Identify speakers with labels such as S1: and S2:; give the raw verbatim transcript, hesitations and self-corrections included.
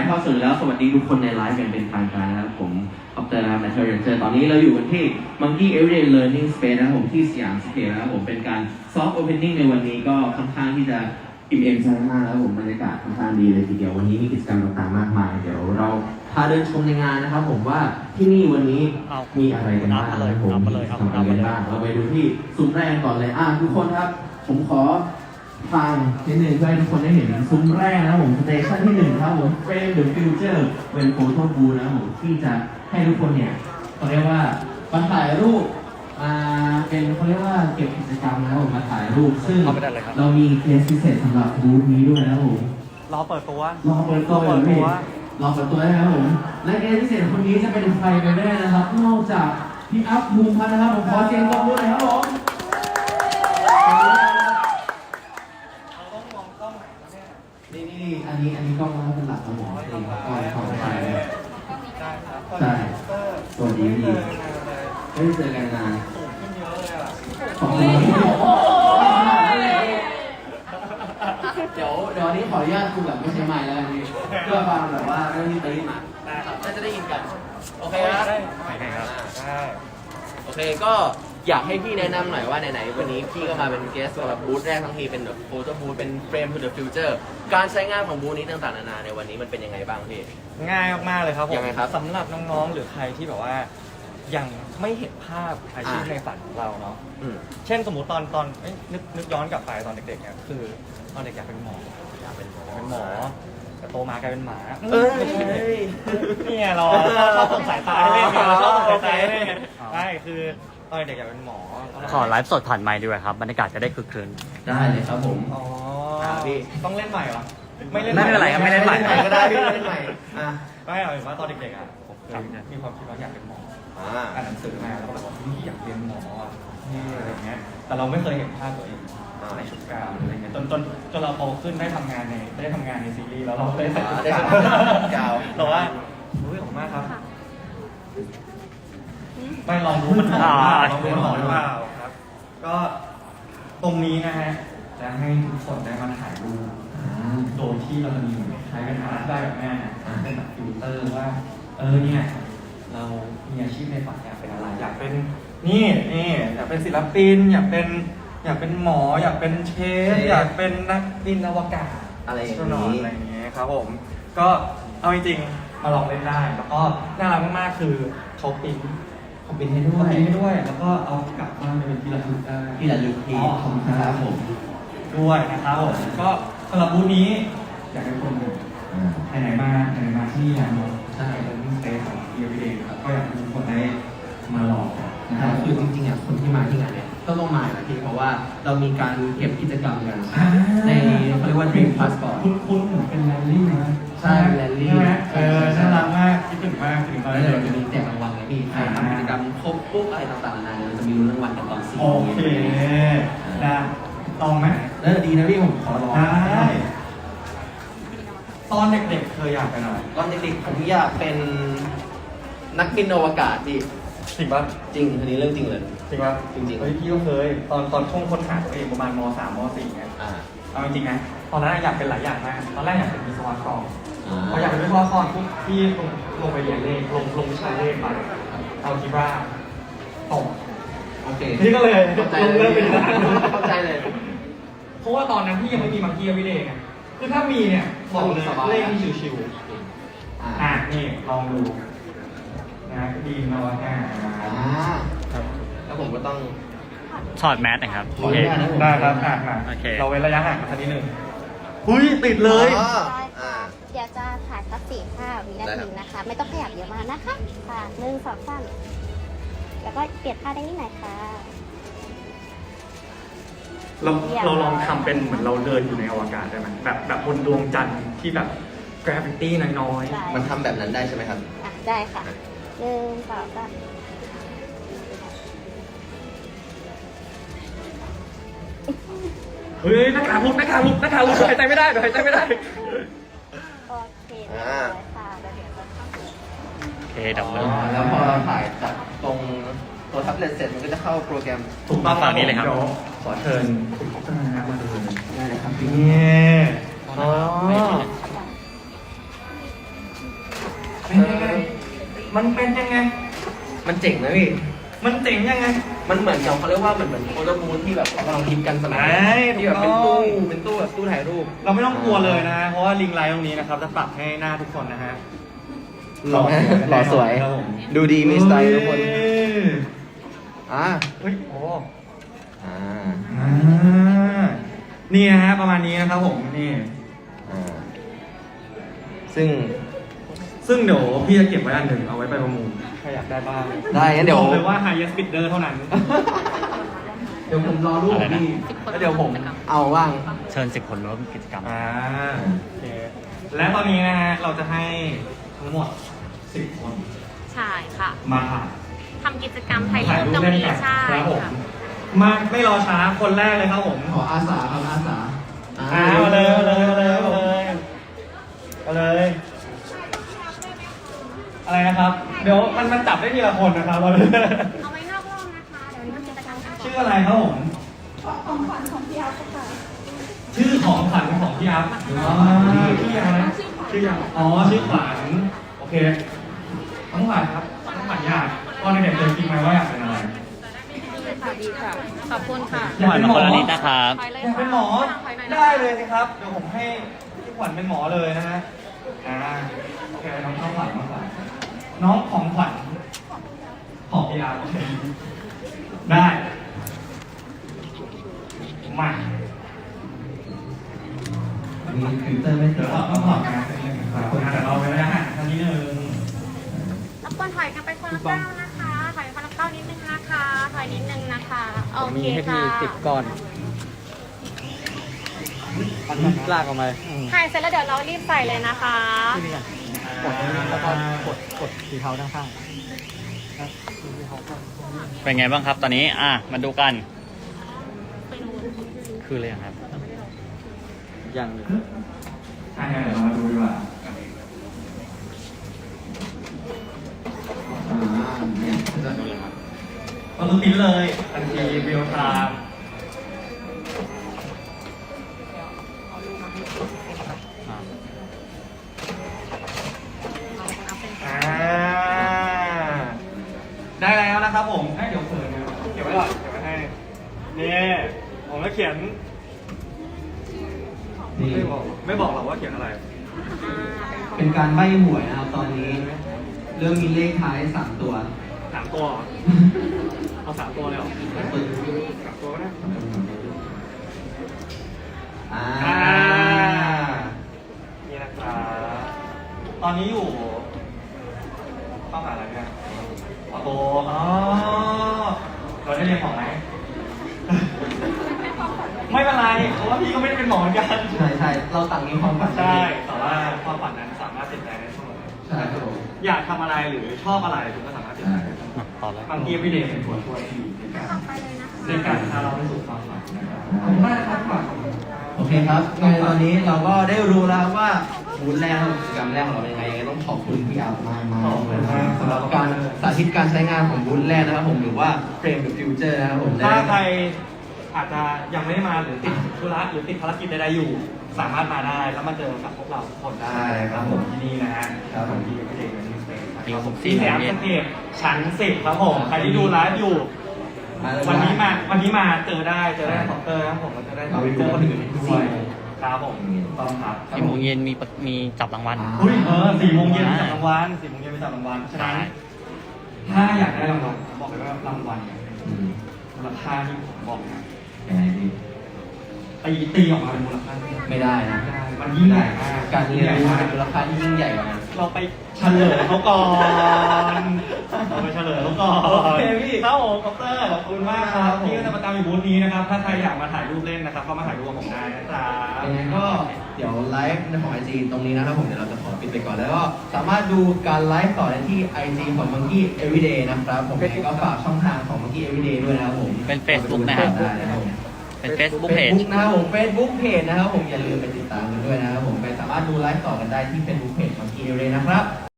S1: เข้าสู่แล้วสวัสดีทุกคนในไลฟ์กันเป็นทางการนะครับผมออฟเตอร์นะครับแมทเทอร์เรนเจอร์ตอนนี้เราอยู่กันที่ Monkey Everyday Learning Space นะครับผมที่สยามสเกลนะครับผมเป็นการซอฟต์โอเพนนิ่งในวันนี้ก็ค่อนข้างที่จะอิ่มเอมใจมากแล้วผมบรรยากาศค่อนข้างดีเลยทีเดียววันนี้มีกิจกรรมต่างๆมากมายเดี๋ยวเราพาเดินชมในงานนะครับผมว่าที่นี่วันนี้มีอะไรกันบ้างนะครับผมทำอะไรกันบ้างเราไปดูที่ซุ้มแรกก่อนเลยอ่ะทุกคนครับผมขอฟังนิดนึงเพื่อให้ทุกคนได้เห็นซุ้มแรกนะครับผมสเตชันที่หนึ่งครับผมเฟรมเดอะฟิวเจอร์เป็นโฟโต้บูธนะครับผมที่จะให้ทุกคนเนี่ยเขาเรียกว่ามาถ่ายรูปมาเป็นเขาเรียกว่าเก็บกิจกรรมนะครับผมมาถ่ายรูปซึ่งเรามีเคสพิเศษสำหรับบูธนี้ด้วยนะครับผม
S2: รอเปิดตัว
S1: รอเปิดตัวรอเปิดตัวรอเปิดตัวนะครับผมและเคสพิเศษคนนี้จะเป็นใครไปไม่ได้นะครับนอกจากพี่อัพภูมิพัฒน์นะครับผมขอเสียงปรบมือหน่อยครับผมนี่นี่อันนี้อันนี้กล้องมันเป็นหลักครับผมนี่กล้องของไทยใช่สวัสดีพี่ไม่ได้เจอกันนานขอบคุณเดี๋ยวเดี๋ยวนี้ขออนุญาตคุยแบบไม่ใช่ไมค์แล้วกันพี่เพื่อฟังแบบว่าเรื่องที่ตีมาน่าจะได้ยินกันโอเคครับโอเคก็อยากให้พี่แนะนำหน่อยว่าไหนๆวันนี้พี่ก็มาเป็นเกสสำหรับบูธแรกทั้งทีเป็นแบบโฟโต้บูธเป็นเฟรม to the future การใช้งานของบูธนี้ต่างๆนานาในวันนี้มันเป็นยังไงบ้างพี่
S2: ง่ายมากๆเลยครับผม
S1: ยังไงครับ
S2: สำหรับน้องๆหรือใครที่แบบว่ายังไม่เห็นภาพอาชีพในฝันของเราเนาะเช่นสมมติตอนตอนนึกนึกย้อนกลับไปตอนเด็กๆเนี่ยคือตอนเด็กอยากเป็นหมออยากเป็นหมอเป็นหมอแต่โตมากลายเป็นหมาเอ้ยนี่ไงเราชอบสงสัยตาเล่นเราชอบสงสัยเล่นใช่คือตอนเด็กอยากเป็นหมอ
S3: ขอไลฟ์สดผ่านไมค์ด้วยครับบรรยากาศจะได้คึกคืน
S1: ได้เลยครับผม
S2: อ๋อพี่ต้องเล่นใหม่เหรอ
S3: ไม่เล่นไม่เป็นไรครับไม่เล่นใหม่
S1: ก็ได้พี่เล่นใหม่อ่ะ
S2: ไม่เอาเป็นว่าตอนเด็กๆอ่ะผมเคยมีความคิดว่าอยากเป็นหมออ่านหนังสือมาแล้วก็แบบว่าพี่อยากเป็นหมอนี่อะไรเงี้ยแต่เราไม่เคยเห็นภาพตัวเองในชุดกาวอะไรเงี้ยจนจนจนเราโตขึ้นได้ทำงานในได้ทำงานในซีรีส์แล้วเราได้ใส่ชุดกาวเราว่ารู้ของมากครับไปลองรู้มันหอมลองรู้มันหอมหรือเปล่าครับก็ตรงนี้นะฮะจะให้ทุกคนได้มาถ่ายรูปโดยที่เราจะมีใช้เป็นอาร์ตได้แบบแม่เป็นแบบฟิลเตอร์ว่าเออเนี่ยเรามีอาชีพในฝันอยากเป็นอะไรอยากเป็นนี่นี่อยากเป็นศิลปินอยากเป็นอยากเป็นหมออยากเป็นเชฟอยากเป็นนักบินอวกาศ
S1: อะไรอย่าง
S2: นี้อะไรอย่างเงี้ยครับผมก็เอาจริงๆมาลองเล่นได้แล้วก็น่ารักมากๆคือเขาปิ้น
S1: เขาปิ้นให้ด้วย
S2: ปิ้นให้ด้วยแล้วก็เอากลับบ้านไปเป็นที่ระลึกได้
S1: ที่ระลึกที่ของครับผม
S2: ด้วยนะครับผมก็สำหรับบูธนี้อยากให้คนไหนๆมาไหนๆมาที่นี่นะใช่เป็นสเตจของ Everyday ครับก็อยากให้ทุกคนได้มาลอง
S1: นะครับคือจริงๆอ่ะคนที่มาที่งานเนี่ยต้องลงมานะพี่เพราะว่าเรามีการเก็บกิจกรรมกันในเขาเรียกว่า Dream Passport
S2: คุ้นๆเหมือนเป็นแรลลี่นะ
S1: ใช่แรลลี่
S2: เออน่ารักมากคิดถึงมากคิดถึงตอน
S1: นี้เราจะมีแจกรางวัลไงพี่ใครทำกิจกรรมครบปุ๊บอะไรต่างๆนานาเราจะมีรางวัลกันตอนสี่
S2: โอเคนะลองไหม
S1: เออดีนะพี่ผมขอลอง
S2: ได้ตอนเด็กๆเคยอยากเป็นอะไร
S1: ตอนเด็กๆผมอยากเป็นนักบินอวกาศพี่
S2: จริงป่ะ
S1: จริงอันนี้เรื่องจริงเลย
S2: จริงป่ะ
S1: จริงๆ
S2: เฮ้ยพี่ก็เคยตอนตอนช่วงค้นหาตัวเองประมาณม.สาม ม.สี่ เนี่ยเอาจริงๆนะตอนนั้นอยากเป็นหลายอย่างมากตอนแรกอยากเป็นวิศวกรพออยากเป็นวิศวกรปุ๊บพี่ลงลงไปเรียนเลขลงลงวิชาเลขไปเอาคิดว่าตก
S1: โอเค
S2: พี่ก็เลยลงเริ่มเป็น
S1: เข้าใจเลย
S2: เพราะว่าตอนนั้นพี่ยังไม่มีมังกี้วิเลไงคือถ้ามีเนี่ยบอกเลยเลขที่ชิวๆอ่ะนี่ลองดูนะดีนอวกาศ
S1: ครับแล้วผมก็ต้อง
S3: ถอดแมสนะครับ
S2: โอเคได้ครับอ่ะโอเคเราเว้นระยะห่างกันสักนิดนึงหุ้ยติดเลย
S4: เดี๋ยวจะถ่ายสักสี่ห้าวินาทีนะคะไม่ต้องขยับเยอะมากนะคะค่ะหนึ่งสองสามแล้วก็เปลี่ยนท่าได้นิดหน่อยค่ะ
S2: เราเราลองทำเป็นเหมือนเราเดินอยู่ในอวกาศได้ไหมแบบแบบบนดวงจันทร์ที่แบบ gravity น้อย
S1: ๆมันทำแบบนั้นได้ใช่ไหมครับ
S4: อ่ะได้ค่ะหนึ่งสองสาม
S2: เฮ้ยหน้ากากลุกหน้ากากลุกหน้ากากลุกหายใจไม่ได้หายใจไม่ได้
S4: โอเคได้ค่ะแล้วเดี๋ยวจะเข้า
S3: โอเคดับเบิล
S1: แล้วพอเราถ่ายจากตรงตัวแท็บเล็ตเสร็จมันก็จะเข้าโปรแกรม
S2: ถูกต้อง
S3: ฝั่งนี้เลยครับ
S2: ขอเชิญคุณพัฒนามาดูได้เลยครับนี่
S1: อ๋อ
S2: เป็นยังไงมันเป็นยังไง
S1: มันเจ๋งนะพี่
S2: มันเจ๋งยังไง
S1: มันเหมือนกับเขาเรียกว่าเหมือนเหมือนโฟโต้บูธที่แบบกำลังฮิตกันสมัย
S2: ใช่
S1: นี้ที่แบบเป็น
S2: ถูกต้
S1: ตู้
S2: อง
S1: เป็นตู้แบบตู้ถ่ายรูป
S2: เราไม่ต้องกลัวเลยนะ เพราะว่าลิงไลท์ตรงนี้นะครับ จะปรับให้หน้าทุกคนนะฮะ
S1: หล่อหล่อสวย
S2: ครับผม
S1: ดูดีมีสไตล์ทุกคน
S2: เอ้ย
S1: อ่า
S2: เฮ้ยโอ้
S1: อ่า
S2: อ่านี่นะฮะประมาณนี้นะครับผมนี่
S1: อ่าซึ่ง
S2: ซึ่งเดี๋ยวพี่จะเก็บไว้อันหนึ่งเอาไว้ไปประมูลใครอยากได้บ้าง
S1: ได้งั้นเดี๋ยว
S2: บอกเลยว่า highest bidder เท่านั้น
S1: เดี๋ยวผมรอรูป
S3: อะไรนะ
S1: พี่แล้วเดี๋ยวผมเอาว่าง
S3: เชิญสิบคนร่วมกิจกรรม
S2: อ่าโอเคและตอนนี้นะฮะเราจะให้ทั้งหมดสิบคน
S5: ใช่ค่ะ
S2: มาถ่าย
S5: ทำกิจกรรมถ่าย
S2: ถ่าย
S5: รูป
S2: รู
S5: ต
S2: ป
S5: รง
S2: เล่น
S5: นี้
S2: กัน
S5: ใช่
S2: ครับผม
S5: ค่ะ
S2: มาไม่รอช้าคนแรกเลยครับผม
S1: ขออาสาครับอาสา
S2: อ่ามาเลยมาเลยมาเลยมาเลยมาเลย อะไรนะครับ เดี๋ยวมันมันจับได้ทีละคนนะครับเราเลย
S5: เอาไว้นอกรอบนะคะ เดี๋ยวนี้ทำกิจกรรมกันก่อน
S2: ชื่ออะไรครับผม
S4: ของขวัญของพี่อัพค่ะ
S2: ชื่อของขวัญของพี่อัพอ๋อชื่อยังนะชื่อยังอ๋อชื่อขวัญโอเคน้องขวัญครับน้องขวัญอยากตอนเด็กๆเคยคิดไหมว่าอยากเป็นอะไร
S5: ค่ะดีค่ะ ขอบคุณค่ะ
S3: หวานมาคนละนิดนะครับ
S5: ถอยเลย
S2: อยาก
S5: ค่ะ
S2: เป็นหมอ
S5: ถอยหน่อยนะ
S2: ได้เลยสิครับ เดี๋ยวผมให้พี่ขวัญเป็นหมอเลยนะฮะ อ่า โอเค น้องข้าวขวัญน้องขวัญน้องของขวัญของพี่อาร์โอเคได้ มา
S1: มีฟิลเตอร์ไม่
S2: เดี๋
S1: เจ
S2: ยว
S1: อ
S2: เราต้องถอดกันครับคนแต่เราไปแล้วฮะท่านนี้หนึ่ง
S5: รบกวนถอยกันไปคนละก้าวนะคะ ถอยคนละก้าวนิดนึงนะคะ ถอยนิดนึงนะคะ โอเคค่ะ
S3: ลากออกมา
S5: ถ่ายเสร็จแล้วเดี๋ยวเรารีบใส่เลยนะคะ
S2: กดแล้วก็กด
S3: กดสีเทาด้านข้าง เป็นไงบ้างครับตอนนี้ อ่ะ มาดูกัน คืออะไรครับ ยังเลย
S2: ใช่เดี๋ยวเรามาดูดีกว่า
S1: อ่าเนี่ยจะ
S2: เราต้องปิ้นเลยทันทีเรียลไทม์อ่าได้แล้วนะครับผมให้เดี๋ยวเขินนะเก็บไว้ก่อนเก็บไว้ให้นี่ผมก็เขียน
S1: นี่
S2: ไม่บอกไม่บอกหรอกว่าเขียนอะไร
S1: เป็นการใบ้หวยนะครับตอนนี้ เริ่มมีเลขท้ายสามตัว
S2: สามตัวเหรอเอาสามตัวเลยเหรอสามตัวก็ได้
S1: อ่า
S2: อ่านี่นะครับตอนนี้อยู่ต้องหาอะไรเนี่ยออโต้อ๋อเราได้เรียนหมอไหม ไม่เป็นไรเพราะว่าพี่ก็ไม่ได้เป็นหมอเหมือนกัน
S1: ใช่ใช่เราต่างมีความฝัน
S2: ใช่แต่ว่าความฝันนั้นสามารถเปลี่ยนแปลงได้เสมอ
S1: ใช่ครับผม
S2: อยากทำอะไรหรือชอบอะไรคุณก็สามารถเปลี่ยนแปลงได้
S3: ต่อเลย
S2: บางทีวิดีโอเป็นตัวช่วยที่ดีในการ
S5: ไปเลยนะคะ
S2: ในการพาเราไปสู่ความฝันนะครับขอบคุณมากครับขวัญ
S1: โอเคครับในตอนนี้เราก็ได้รู้แล้วว่าบูธแรกของกิจกรรมแรกของเราเป็นยังไงยังไงต้องขอบคุณพี่อาร์มากมาก
S2: ขอบคุณมาก
S1: สำหรับการสาธิตการใช้งานของบูธแรกนะครับผมหรือว่า Frame the Future นะครับผม
S2: ถ้าใครอาจจะยังไม่ได้มาหรือติดธุระหรือติดภารกิจใดๆอยู่ สามารถมาได้แล้วมาเจอกับพวกเราทุกคนได้ครับผมที่นี่นะฮะครับที่ประเทศนี้สเตท
S3: มีผม
S2: ที่แสยามสเตทชั้นสิบครับผมใครที่ดูไลฟ์อยู่
S1: มาเลย
S2: วันนี้มาวันนี้มาเจอได้เจอได้คอมเตอร์ครับผมก็จะได้เจอคนอื่นด้วยครับผมต้องครับ
S3: สี่โมงเย็นมีปะมีจับรางวัล
S2: อุ้ยเออสี่โมงเย็นไปจับรางวัลสี่โมงเย็นไปจับรางวัลฉะนั้นถ้าอยากได้รางวัลผมบอกเลยว่ารางวัลเนี่ย
S1: อืม
S2: มูลค่าที่ผมบอกนะ
S1: ยังไงดี
S2: ตีตีออกมาเป็นมูลค่าที่
S1: ไม่ได้นะ
S2: ได้มันยิ่งใหญ่มาก
S1: การเรียนรู้เป็นมูลค่าที่ยิ่งใหญ่กว่านั้น
S2: เราไปเฉลยเขาก่อนเราไปเฉลยเขาก่อน
S1: โอเคพี่
S2: ครับผมคอปเตอร์ขอบคุณมากครับที่ก็จะประจำอยู่บูธนี้นะครับ ถ้าใครอยากมาถ่ายรูปเล่นนะครับก็มาถ่ายรูปกับผมได้นะครับ
S1: ยังไงก็เดี๋ยวไลฟ์ในของ ไอ จี ตรงนี้นะครับผมเดี๋ยวเราจะขอปิดไปก่อนแล้วก็สามารถดูการไลฟ์ต่อได้ที่ ไอ จี ของ Monkey Everyday นะครับผมยังไงก็ฝากช่องทางของ Monkey Everyday ด้วยนะครับผม
S3: เป็น Facebook นะครับ
S1: ได้นะครับผม
S3: เป็น Facebook Page
S1: Facebook นะครับผม Facebook Page นะครับผมอย่าลืมไปติดตามกันด้วยนะครับผมไปสามารถดูไลฟ์ต่อกันได้ที่ Facebook Page Monkey Everyday นะครับ